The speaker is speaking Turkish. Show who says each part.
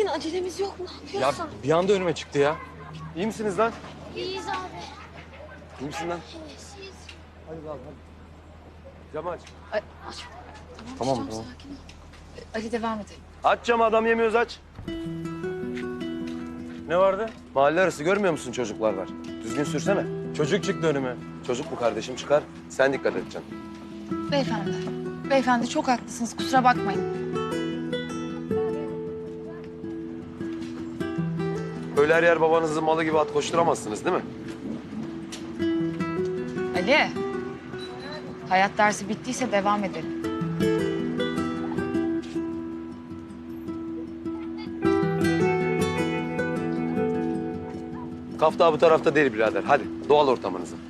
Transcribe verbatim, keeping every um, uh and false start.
Speaker 1: senin acelemiz yok mu? Ne
Speaker 2: Ya
Speaker 1: yapıyorsun?
Speaker 2: bir anda önüme çıktı ya. İyi misiniz lan?
Speaker 1: İyiyiz abi.
Speaker 2: İyi misin lan?
Speaker 1: İyiyiz.
Speaker 2: Hadi abi hadi. Camı aç.
Speaker 3: Ay,
Speaker 1: Aç.
Speaker 2: Tamam
Speaker 3: tamam,
Speaker 2: tamam.
Speaker 3: sakin ol. Ali devam edelim.
Speaker 2: Aç camı, adam yemiyoruz, aç. Ne vardı? Mahalle arası görmüyor musun, çocuklar var. Düzgün sürsene. Çocuk çıktı önüme. Çocuk bu kardeşim, çıkar. Sen dikkat edeceksin.
Speaker 3: Beyefendi, beyefendi çok haklısınız. Kusura bakmayın.
Speaker 2: Böyle her yer babanızın malı gibi at koşturamazsınız değil mi?
Speaker 3: Ali, hayat dersi bittiyse devam edelim.
Speaker 2: Kafta bu tarafta değil birader. Hadi doğal ortamınızı.